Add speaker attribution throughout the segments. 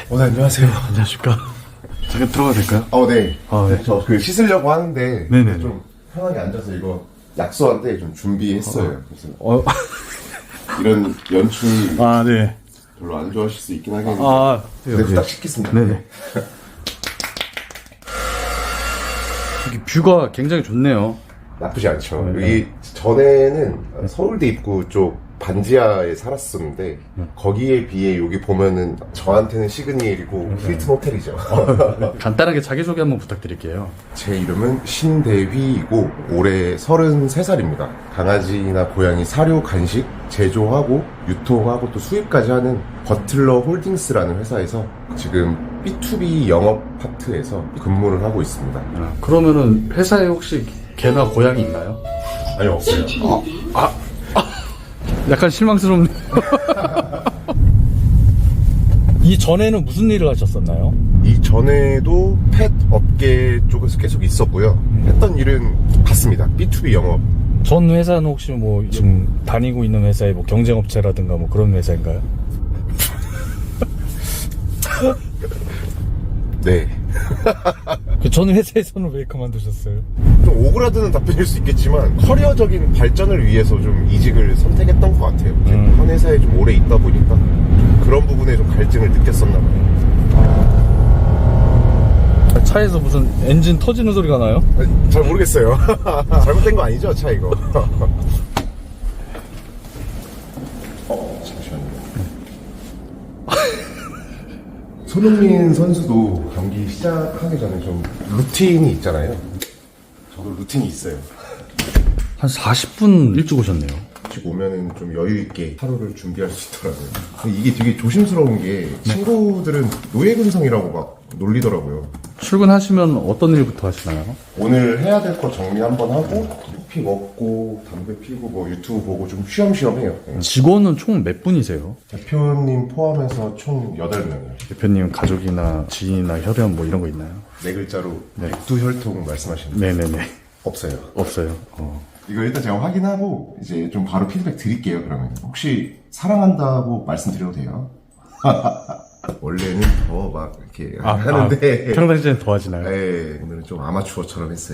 Speaker 1: 네, 안녕하세요.
Speaker 2: 안녕하십니까. 잠깐 들어가도 될까요?
Speaker 1: 네.
Speaker 2: 네.
Speaker 1: 저 씻으려고 하는데
Speaker 2: 네네.
Speaker 1: 좀 편하게 앉아서 이거 약소한테 좀 준비했어요. 그래서 이런 연출
Speaker 2: 네.
Speaker 1: 별로 안 좋아하실 수 있긴 하겠는데
Speaker 2: 네.
Speaker 1: 딱 씻겠습니다.
Speaker 2: 네네. 여기 뷰가 굉장히 좋네요.
Speaker 1: 나쁘지 않죠. 여기 전에는 서울대 입구 쪽 반지하에 살았었는데 거기에 비해 여기 보면은 저한테는 시그니엘이고 힐튼 호텔이죠.
Speaker 2: 간단하게 자기소개 한번 부탁드릴게요.
Speaker 1: 제 이름은 신대휘이고 올해 33살입니다. 강아지나 고양이 사료 간식 제조하고 유통하고 또 수입까지 하는 버틀러 홀딩스라는 회사에서 지금 B2B 영업 파트에서 근무를 하고 있습니다.
Speaker 2: 그러면은 회사에 혹시 개나 고양이 있나요?
Speaker 1: 아니, 없어요.
Speaker 2: 약간 실망스럽네요. 이 전에는 무슨 일을 하셨었나요?
Speaker 1: 이전에도 펫 업계 쪽에서 계속 있었고요. 했던 일은 같습니다. B2B 영업.
Speaker 2: 전 회사는 혹시 뭐 지금 다니고 있는 회사의 뭐 경쟁업체라든가 뭐 그런 회사인가요?
Speaker 1: 네.
Speaker 2: 전 회사에서는 왜 그만두셨어요?
Speaker 1: 좀 오그라드는 답변일 수 있겠지만 커리어적인 발전을 위해서 좀 이직을 선택했던 것 같아요. 한 회사에 좀 오래 있다 보니까 그런 부분에 좀 갈증을 느꼈었나 봐요.
Speaker 2: 차에서 무슨 엔진 터지는 소리가 나요?
Speaker 1: 잘 모르겠어요. 잘못된 거 아니죠, 차 이거? 잠시만요. 손흥민 선수도 경기 시작하기 전에 좀 루틴이 있잖아요. 저도 루틴이 있어요.
Speaker 2: 한 40분 일찍 오셨네요.
Speaker 1: 일찍 오면은 좀 여유 있게 하루를 준비할 수 있더라고요. 근데 이게 되게 조심스러운 게 친구들은 노예근성이라고 막 놀리더라고요.
Speaker 2: 출근하시면 어떤 일부터 하시나요?
Speaker 1: 오늘 해야 될 거 정리 한번 하고 커피 먹고 담배 피고 뭐 유튜브 보고 좀 쉬엄쉬엄 해요.
Speaker 2: 직원은 총 몇 분이세요?
Speaker 1: 대표님 포함해서 총 8명이요.
Speaker 2: 대표님 가족이나 지인이나 혈연 뭐 이런 거 있나요?
Speaker 1: 네 글자로 백두혈통 말씀하시는 거
Speaker 2: 네네네.
Speaker 1: 없어요.
Speaker 2: 없어요.
Speaker 1: 이거 일단 제가 확인하고 이제 좀 바로 피드백 드릴게요. 그러면 혹시 사랑한다고 말씀드려도 돼요? 원래는 더 막 이렇게 하는데
Speaker 2: 평상시엔 더 하시나요?
Speaker 1: 네, 오늘은 좀 아마추어처럼 했어요.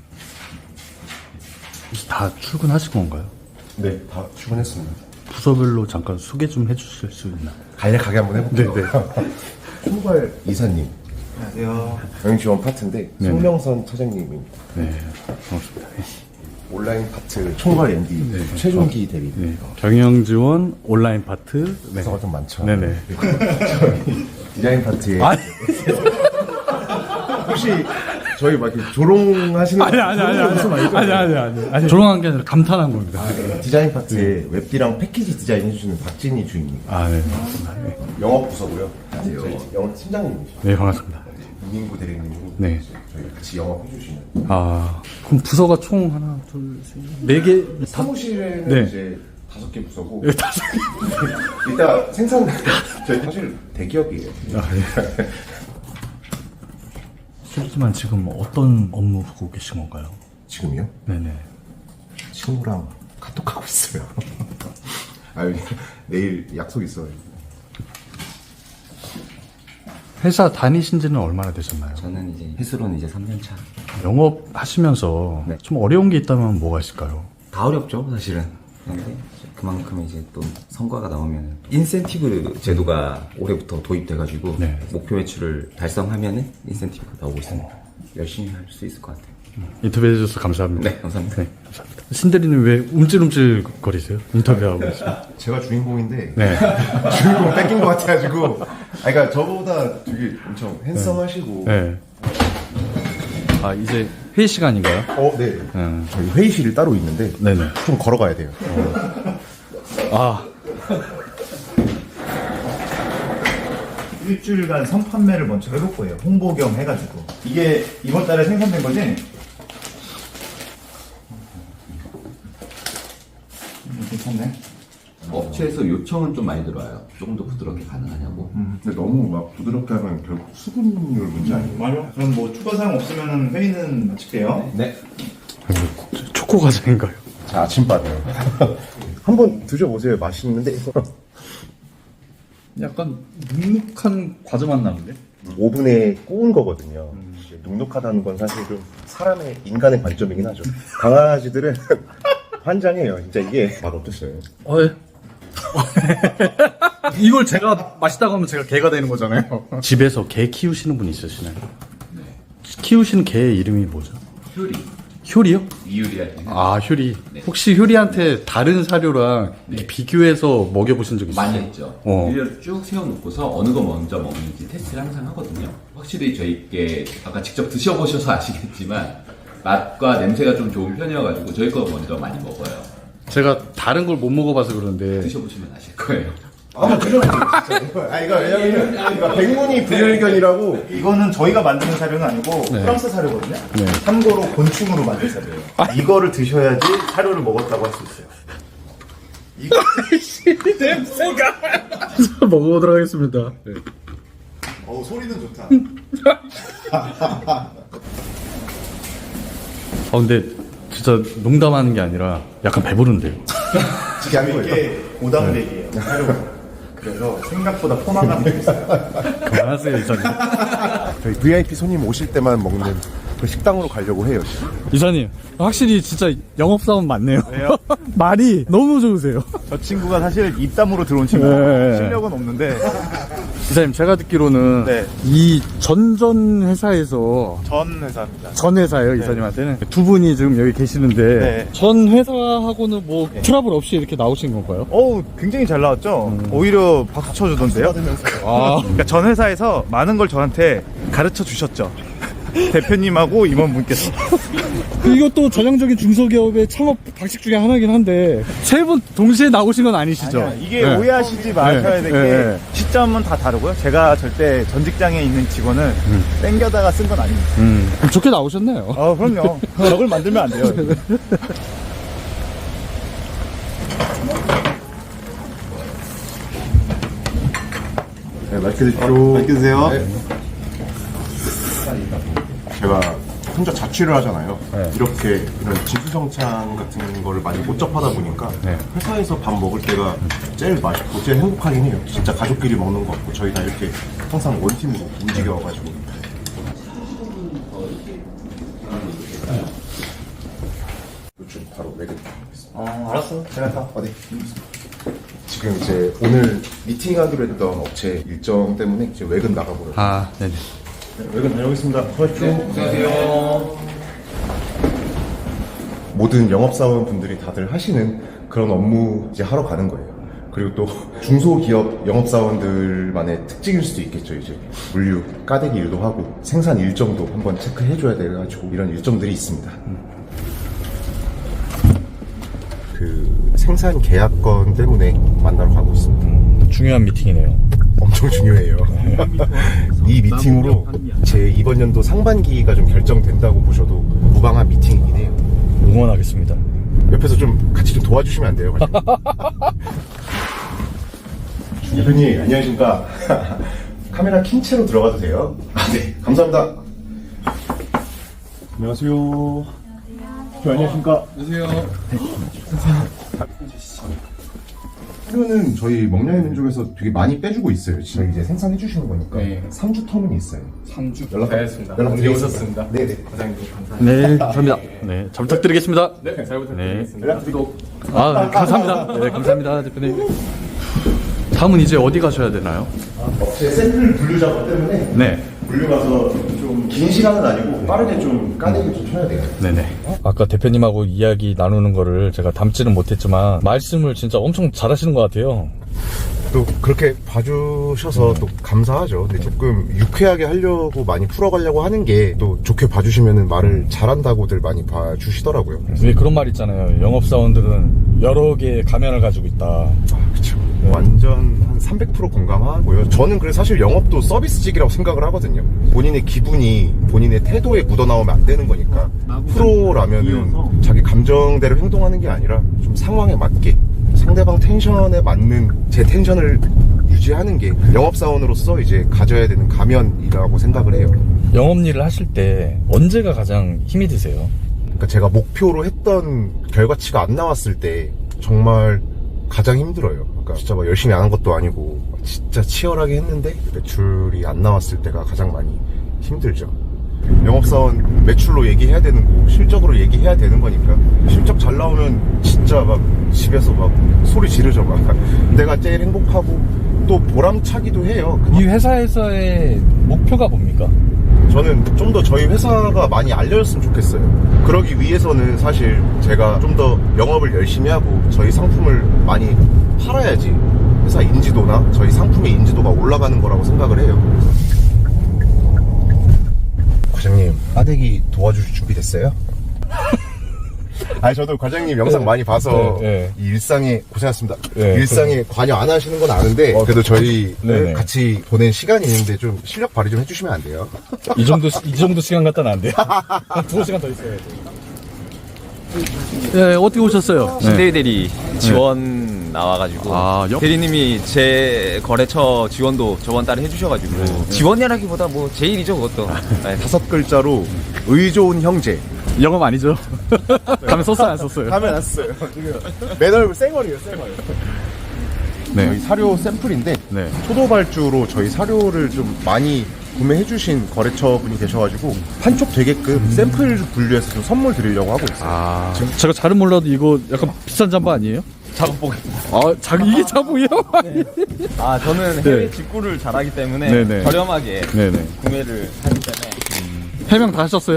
Speaker 2: 다 출근하신 건가요?
Speaker 1: 네, 다 출근했습니다.
Speaker 2: 부서별로 잠깐 소개 좀 해주실 수 있나요?
Speaker 1: 간략하게 한번 해볼게요.
Speaker 2: 네네.
Speaker 1: 총괄 이사님,
Speaker 3: 안녕하세요.
Speaker 1: 경영지원 파트인데 송명선 차장님입니다.
Speaker 2: 네, 반갑습니다.
Speaker 1: 온라인 파트 총괄 MD 최종기 대리님.
Speaker 2: 네. 경영지원 온라인 파트. 네.
Speaker 1: 부서가 좀 많죠.
Speaker 2: 네네.
Speaker 1: 디자인 파트에
Speaker 2: 아니,
Speaker 1: 혹시 저희 막 이렇게 조롱하시는
Speaker 2: 아니. 조롱한 게 아니라 감탄한 겁니다.
Speaker 1: 디자인 파트에 웹디랑 패키지 디자인 해주시는 박진희 주인님.
Speaker 2: 네, 반갑습니다. 네.
Speaker 1: 영업 부서고요. 저희 영업 팀장님이시죠.
Speaker 2: 네, 반갑습니다.
Speaker 1: 이민구 대리님이
Speaker 2: 네.
Speaker 1: 저희 같이 영업해주시는.
Speaker 2: 그럼 부서가 총 하나, 둘, 셋, 네 개?
Speaker 1: 사무실에는
Speaker 2: 네.
Speaker 1: 이제 5개 부서고
Speaker 2: 네, 다섯 개.
Speaker 1: 이따 생산 저희 사실 대기업이에요.
Speaker 2: 네. 실례지만 지금 어떤 업무 보고 계신 건가요?
Speaker 1: 지금요?
Speaker 2: 네네.
Speaker 1: 친구랑 카톡하고 있어요. 내일 약속 있어요.
Speaker 2: 회사 다니신 지는 얼마나 되셨나요?
Speaker 3: 저는 이제 휘슬로는 이제 3년 차.
Speaker 2: 영업 하시면서
Speaker 3: 네.
Speaker 2: 좀 어려운 게 있다면 뭐가 있을까요?
Speaker 3: 다 어렵죠, 사실은. 그런데 그만큼 이제 또 성과가 나오면 인센티브 제도가 올해부터 도입돼가지고
Speaker 2: 네.
Speaker 3: 목표 매출을 달성하면은 인센티브가 나오고 있습니다. 열심히 할 수 있을 것 같아요.
Speaker 2: 인터뷰해 주셔서 감사합니다.
Speaker 3: 네, 감사합니다.
Speaker 2: 네, 감사합니다. 신대리는 왜 움찔움찔 거리세요? 인터뷰하고 있어요.
Speaker 1: 제가 주인공인데
Speaker 2: 네.
Speaker 1: 주인공 뺏긴 것 같아가지고. 그러니까 저보다 되게 엄청 핸섬하시고.
Speaker 2: 네. 이제 회의 시간인가요?
Speaker 1: 네. 저희 회의실이 따로 있는데
Speaker 2: 네네.
Speaker 1: 좀 걸어가야 돼요.
Speaker 4: 일주일간 선판매를 먼저 해볼 거예요. 홍보 겸 해가지고. 이게 이번 달에 생산된 거지? 괜찮네.
Speaker 3: 업체에서 요청은 좀 많이 들어와요. 조금 더 부드럽게 가능하냐고.
Speaker 1: 근데 너무 막 부드럽게 하면 결국 수분율 문제 아니에요?
Speaker 4: 맞아. 그럼 뭐 추가 사항 없으면 회의는 마칠게요.
Speaker 3: 네.
Speaker 2: 초코 과자인가요?
Speaker 1: 자, 아침밥이요. 한번 드셔보세요. 맛있는데.
Speaker 2: 약간 눅눅한 과자 맛 나는데?
Speaker 1: 오븐에 구운 거거든요. 이제 눅눅하다는 건 사실 좀 사람의 인간의 관점이긴 하죠. 강아지들은 환장해요. 진짜 이게 맛 어땠어요?
Speaker 2: 예. 이걸 제가 맛있다고 하면 제가 개가 되는 거잖아요. 집에서 개 키우시는 분 있으시나요? 네. 키우시는 개 이름이 뭐죠?
Speaker 5: 효리.
Speaker 2: 효리요?
Speaker 5: 이유리할 때
Speaker 2: 아, 효리. 혹시 효리한테 다른 사료랑 이렇게 비교해서 먹여보신 적 있어요?
Speaker 5: 많이 했죠.
Speaker 2: 어.
Speaker 5: 일렬 쭉 세워놓고서 어느 거 먼저 먹는지 테스트를 항상 하거든요. 확실히 저희께 아까 직접 드셔보셔서 아시겠지만 맛과 냄새가 좀 좋은 편이어가지고 저희 거 먼저 많이 먹어요.
Speaker 2: 제가 다른 걸 못 먹어봐서 그런데
Speaker 5: 드셔보시면 아실 거예요.
Speaker 1: 아, 이거 왜냐면 이거 백문이 불여일견이라고.
Speaker 4: 이거는 저희가 만드는 사료는 아니고 프랑스 사료거든요.
Speaker 2: 네.
Speaker 4: 참고로 곤충으로 만든 사료예요. 이거를 드셔야지 사료를 먹었다고 할 수 있어요. 이거
Speaker 2: 먹어보도록 하겠습니다. 네.
Speaker 4: 소리는 좋다.
Speaker 2: 근데 진짜 농담하는 게 아니라 약간 배부른데요.
Speaker 4: 이게 고단백이에요. 사료가. 그래서 생각보다 포만감이 있어요.
Speaker 2: 그만하세요, 이사님.
Speaker 1: 저희 VIP 손님 오실 때만 먹는 그 식당으로 가려고 해요.
Speaker 2: 이사님, 확실히 진짜 영업사원 맞네요. 말이 너무 좋으세요.
Speaker 4: 저 친구가 사실 입담으로 들어온 친구예요.
Speaker 2: 네.
Speaker 4: 실력은 없는데
Speaker 2: 이사님, 제가 듣기로는
Speaker 4: 네.
Speaker 2: 이 전전 회사에서
Speaker 4: 전 회사입니다.
Speaker 2: 전 회사예요, 이사님한테는. 두 분이 지금 여기 계시는데
Speaker 4: 네.
Speaker 2: 전 회사하고는 뭐 트러블 없이 이렇게 나오신 건가요?
Speaker 4: 어우, 굉장히 잘 나왔죠? 오히려 박수 쳐주던데요?
Speaker 2: 아,
Speaker 4: 그러니까 전 회사에서 많은 걸 저한테 가르쳐 주셨죠. 대표님하고 임원분께서.
Speaker 2: 이것도 전형적인 중소기업의 창업 방식 중에 하나긴 한데 세 분 동시에 나오신 건 아니시죠?
Speaker 4: 아니야, 이게
Speaker 2: 네.
Speaker 4: 오해하시지 마셔야 될 게
Speaker 2: 네.
Speaker 4: 시점은 다 다르고요. 제가 절대 전 직장에 있는 직원을 땡겨다가 쓴 건 아닙니다.
Speaker 2: 그럼 좋게 나오셨네요.
Speaker 4: 그럼요. 적을 만들면 안 돼요.
Speaker 1: 네, 맛있게 드십시오.
Speaker 4: 맛있게 드세요.
Speaker 1: 네. 제가 혼자 자취를 하잖아요. 이렇게 이런 지수정창 같은 거를 많이 못 접하다 보니까 회사에서 밥 먹을 때가 제일 맛있고 제일 행복하긴 해요. 진짜 가족끼리 먹는 것 같고 저희 다 이렇게 항상 원팀으로 움직여가지고. 좀 바로 외근 가겠습니다.
Speaker 4: 알았어. 제가 다.
Speaker 1: 어디? 지금 이제 오늘 미팅하기로 했던 업체 일정 때문에 이제 외근 나가보려고.
Speaker 2: 아, 네네.
Speaker 1: 외근 다녀오겠습니다. 수고하십시오. 안녕하세요. 모든 영업사원 분들이 다들 하시는 그런 업무 이제 하러 가는 거예요. 그리고 또 중소기업 영업사원들만의 특징일 수도 있겠죠. 이제 물류, 까대기 일도 하고 생산 일정도 한번 체크해줘야 돼가지고 이런 일정들이 있습니다. 그 생산 계약건 때문에 만나러 가고 있습니다.
Speaker 2: 중요한 미팅이네요.
Speaker 1: 엄청 중요해요. 이 미팅으로 제 이번 연도 상반기가 좀 결정된다고 보셔도 무방한 미팅이긴 해요.
Speaker 2: 응원하겠습니다.
Speaker 1: 옆에서 좀 같이 좀 도와주시면 안 돼요? 대표님 안녕하십니까. 카메라 킨 채로 들어가도 돼요? 네, 감사합니다. 안녕하세요. 안녕하십니까. 사료는 저희 먹냐의 민족에서 되게 많이 빼주고 있어요. 저희 이제 생산해 주시는 거니까 3주 터문이 있어요.
Speaker 6: 3주
Speaker 1: 연락드리겠습니다. 연락드리겠습니다. 네네.
Speaker 6: 과장님 감사합니다.
Speaker 2: 네, 감사합니다. 네, 잘 부탁드리겠습니다.
Speaker 6: 네, 잘 부탁드리겠습니다.
Speaker 1: 연락드리고.
Speaker 2: 아, 감사합니다. 네, 감사합니다, 대표님. 다음은 이제 어디 가셔야 되나요?
Speaker 1: 업체 샘플 분류 작업 때문에
Speaker 2: 네.
Speaker 1: 분류 가서 좀 긴 시간은 아니고 빠르게 좀 까내기 좀 쳐야 돼요.
Speaker 2: 네네. 아까 대표님하고 이야기 나누는 거를 제가 담지는 못했지만 말씀을 진짜 엄청 잘하시는 것 같아요.
Speaker 1: 또 그렇게 봐주셔서 또 감사하죠. 근데 조금 유쾌하게 하려고 많이 풀어가려고 하는 게 또 좋게 봐주시면 말을 잘한다고들 많이 봐주시더라고요.
Speaker 2: 왜 그런 말 있잖아요. 영업사원들은 여러 개의 가면을 가지고 있다.
Speaker 1: 그쵸. 완전 한 300% 공감하고요. 저는 그래서 사실 영업도 서비스직이라고 생각을 하거든요. 본인의 기분이 본인의 태도에 묻어나오면 안 되는 거니까 프로라면은 자기 감정대로 행동하는 게 아니라 좀 상황에 맞게 상대방 텐션에 맞는 제 텐션을 유지하는 게 영업사원으로서 이제 가져야 되는 가면이라고 생각을 해요.
Speaker 2: 영업 일을 하실 때 언제가 가장 힘이 드세요?
Speaker 1: 그러니까 제가 목표로 했던 결과치가 안 나왔을 때 정말 가장 힘들어요. 그러니까 진짜 막 열심히 안 한 것도 아니고 진짜 치열하게 했는데 매출이 안 나왔을 때가 가장 많이 힘들죠. 영업사원 매출로 얘기해야 되는 거고 실적으로 얘기해야 되는 거니까 실적 잘 나오면 진짜 막 집에서 막 소리 지르죠. 막 내가 제일 행복하고 또 보람차기도 해요.
Speaker 2: 이 회사에서의 목표가 뭡니까?
Speaker 1: 저는 좀 더 저희 회사가 많이 알려졌으면 좋겠어요. 그러기 위해서는 사실 제가 좀 더 영업을 열심히 하고 저희 상품을 많이 팔아야지 회사 인지도나 저희 상품의 인지도가 올라가는 거라고 생각을 해요. 과장님, 빠대기 도와주실 준비 됐어요? 아니 저도 과장님 영상 많이 봐서 이 일상에 고생하셨습니다. 일상에 관여 안 하시는 건 아는데 그래도 저희 같이 보낸 시간이 있는데 좀 실력 발휘 좀 해주시면 안 돼요?
Speaker 2: 이 정도 시간 갖다는 안 돼요. 한 2시간 더 있어야 돼. 네, 어떻게 오셨어요?
Speaker 7: 신대희 대리 지원 나와가지고 대리님이 제 거래처 지원도 저번 달에 해주셔가지고 지원이라기보다 뭐 제일이죠 그것도. 네.
Speaker 1: 5글자로 의좋은 형제.
Speaker 2: 영업 아니죠? 가면 썼어요, 안 썼어요?
Speaker 1: 가면 안 써요. 맨얼굴 쌩얼이에요, 쌩얼.
Speaker 2: 네.
Speaker 1: 저희 사료 샘플인데
Speaker 2: 네.
Speaker 1: 초도발주로 저희 사료를 좀 많이 구매해주신 거래처분이 계셔가지고 판촉 되게끔 샘플 분류해서 좀 선물 드리려고 하고 있어요.
Speaker 2: 제가 잘은 몰라도 이거 약간 비싼 잠바 아니에요?
Speaker 7: 작업복.
Speaker 2: 이게 자부예요?
Speaker 7: 아 저는 해외 직구를 잘하기 때문에
Speaker 2: 네네.
Speaker 7: 저렴하게
Speaker 2: 네네.
Speaker 7: 구매를 하기 때문에.
Speaker 2: 해명 다 하셨어요?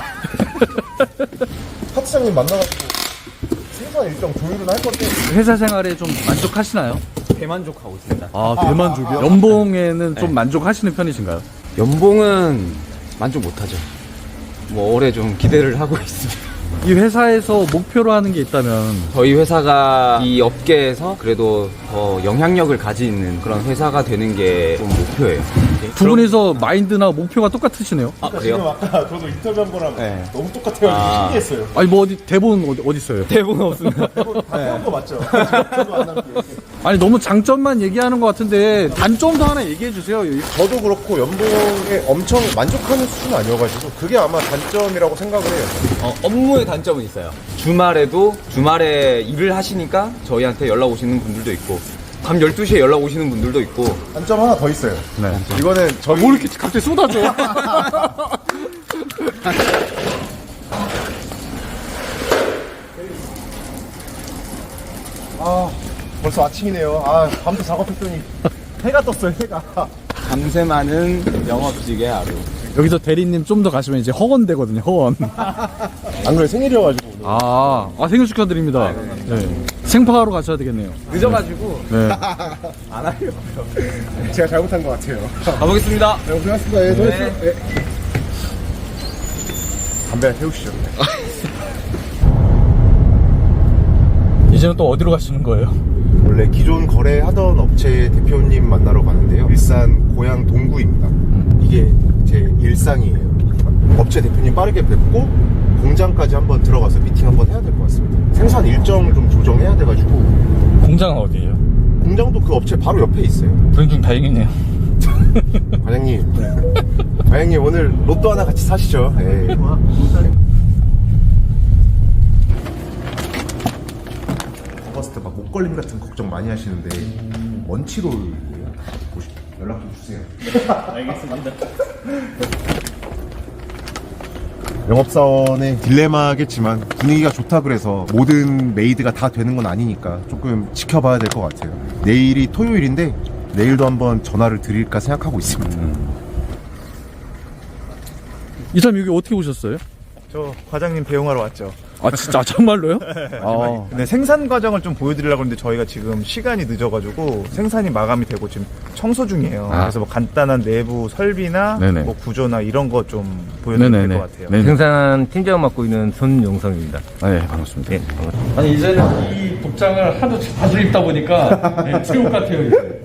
Speaker 1: 파트장님 만나가지고 생산 일정 조율은 할 건데
Speaker 2: 회사 생활에 좀 만족하시나요?
Speaker 7: 대만족하고 있습니다.
Speaker 2: 대만족이요? 연봉에는 좀 만족하시는 편이신가요?
Speaker 7: 연봉은 만족 못하죠. 뭐 올해 좀 기대를 하고 있습니다.
Speaker 2: 이 회사에서 목표로 하는 게 있다면
Speaker 7: 저희 회사가 이 업계에서 그래도 더 영향력을 가지는 그런 회사가 되는 게 좀 목표예요.
Speaker 2: 두 분이서 마인드나 목표가 똑같으시네요.
Speaker 7: 아 그래요?
Speaker 6: 아까 저도 인터뷰한 거랑
Speaker 7: 네.
Speaker 6: 너무 똑같아가지고 신기했어요.
Speaker 2: 아니 뭐 어디 대본 어디 있어요?
Speaker 7: 대본 없습니다.
Speaker 6: 그런 거 맞죠? 저도 안 남겨.
Speaker 2: 아니 너무 장점만 얘기하는 것 같은데 단점도 하나 얘기해 주세요.
Speaker 1: 저도 그렇고 연봉에 엄청 만족하는 수준은 아니어가지고 그게 아마 단점이라고 생각을 해요.
Speaker 7: 업무의 단점은 있어요. 주말에 일을 하시니까 저희한테 연락 오시는 분들도 있고 밤 12시에 연락 오시는 분들도 있고.
Speaker 1: 단점 하나 더 있어요.
Speaker 2: 네.
Speaker 1: 이거는 저희
Speaker 2: 뭐 이렇게 갑자기 쏟아져?
Speaker 1: 벌써 아침이네요. 밤새 작업했더니 해가 떴어요, 해가.
Speaker 7: 밤새 많은 영업직의 하루.
Speaker 2: 여기서 대리님 좀 더 가시면 이제 허원되거든요. 허원.
Speaker 1: 안 그래 생일이어가지고 오늘.
Speaker 2: 생일 축하드립니다. 네. 생파하러 가셔야 되겠네요.
Speaker 7: 늦어가지고
Speaker 2: 네.
Speaker 7: 안 하려고요.
Speaker 1: 제가 잘못한 것 같아요.
Speaker 7: 가보겠습니다.
Speaker 1: 네, 고생하셨습니다. 예, 수고하셨어요. 예. 담배 하나 태우시죠.
Speaker 2: 이제는 또 어디로 가시는 거예요?
Speaker 1: 원래 기존 거래하던 업체 대표님 만나러 가는데요. 일산 고양 동구입니다. 이게 제 일상이에요. 업체 대표님 빠르게 뵙고 공장까지 한번 들어가서 미팅 한번 해야 될 것 같습니다. 생산 일정을 좀 조정해야 돼가지고.
Speaker 2: 공장은 어디예요?
Speaker 1: 공장도 그 업체 바로 옆에 있어요.
Speaker 2: 불행 중 다행이네요.
Speaker 1: 과장님 오늘 로또 하나 같이 사시죠. 예. 봤을 때 막 목걸림 같은 걱정 많이 하시는데 원치롤이에요. 연락 좀 주세요.
Speaker 6: 알겠습니다.
Speaker 1: 영업사원의 딜레마겠지만 분위기가 좋다 그래서 모든 메이드가 다 되는 건 아니니까 조금 지켜봐야 될 것 같아요. 내일이 토요일인데 내일도 한번 전화를 드릴까 생각하고 있습니다.
Speaker 2: 이 사람 여기 어떻게 오셨어요?
Speaker 4: 저 과장님 배웅하러 왔죠.
Speaker 2: 진짜 정말로요?
Speaker 4: 근데 생산 과정을 좀 보여드리려고 하는데 저희가 지금 시간이 늦어가지고 생산이 마감이 되고 지금 청소 중이에요. 그래서 뭐 간단한 내부 설비나
Speaker 2: 네네.
Speaker 4: 뭐 구조나 이런 거 좀 보여드릴 것 같아요.
Speaker 2: 네네.
Speaker 8: 생산 팀장 맡고 있는 손용성입니다.
Speaker 2: 네, 반갑습니다. 아니 이제는 이 복장을 하도 자주 입다 보니까 새옷 같아요. 이제.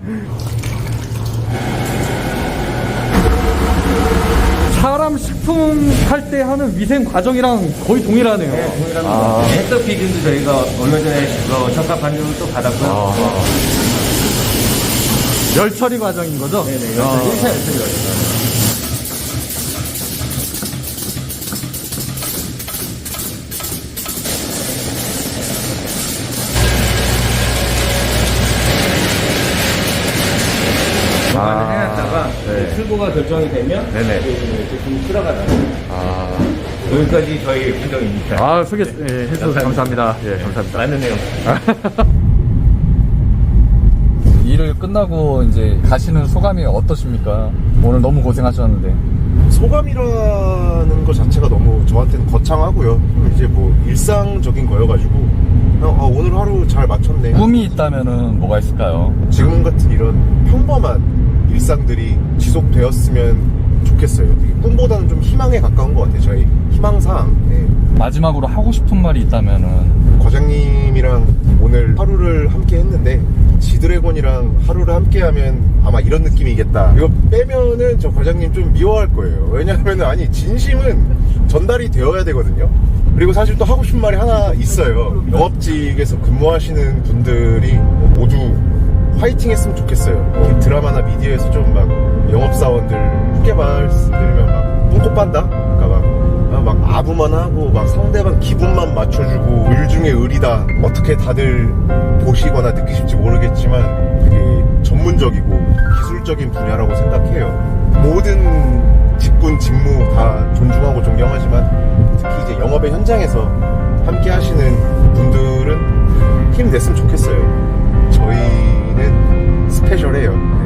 Speaker 2: 사람 식품 할 때 하는 위생 과정이랑 거의 동일하네요.
Speaker 8: 햇석 비준도 저희가 얼마 전에 적합 반영을 또 받았고요.
Speaker 2: 열 처리 과정인 거죠? 네네.
Speaker 8: 1차 열처리 과정. 출고가 결정이 되면
Speaker 2: 네네.
Speaker 8: 그 제품 출하가 나요. 여기까지 저희 분정입니다.
Speaker 2: 소개해주셔서 감사합니다. 예, 감사합니다.
Speaker 8: 많은 내용.
Speaker 2: 일을 끝나고 이제 가시는 소감이 어떠십니까? 오늘 너무 고생하셨는데.
Speaker 1: 소감이라는 것 자체가 너무 저한테는 거창하고요. 이제 뭐 일상적인 거여가지고 그냥 오늘 하루 잘 마쳤네.
Speaker 2: 꿈이 있다면은 뭐가 있을까요?
Speaker 1: 지금 같은 이런 평범한 일상들이 지속되었으면 좋겠어요. 되게 꿈보다는 좀 희망에 가까운 것 같아요. 저희 희망사항. 네.
Speaker 2: 마지막으로 하고 싶은 말이 있다면은
Speaker 1: 과장님이랑 오늘 하루를 함께 했는데 지드래곤이랑 하루를 함께 하면 아마 이런 느낌이겠다. 이거 빼면은 저 과장님 좀 미워할 거예요. 왜냐하면 아니 진심은 전달이 되어야 되거든요. 그리고 사실 또 하고 싶은 말이 하나 있어요. 영업직에서 근무하시는 분들이 모두 화이팅 했으면 좋겠어요. 이렇게 드라마나 미디어에서 좀 막 영업사원들 후계 말씀드리면 막 똥꼬 빤다? 그러니까 막 아부만 하고 막 상대방 기분만 맞춰주고 을 중에 을이다. 어떻게 다들 보시거나 느끼실지 모르겠지만 되게 전문적이고 기술적인 분야라고 생각해요. 모든 직군 직무 다 존중하고 존경하지만 특히 이제 영업의 현장에서 함께 하시는 분들은 힘냈으면 좋겠어요. 저희는 스페셜해요.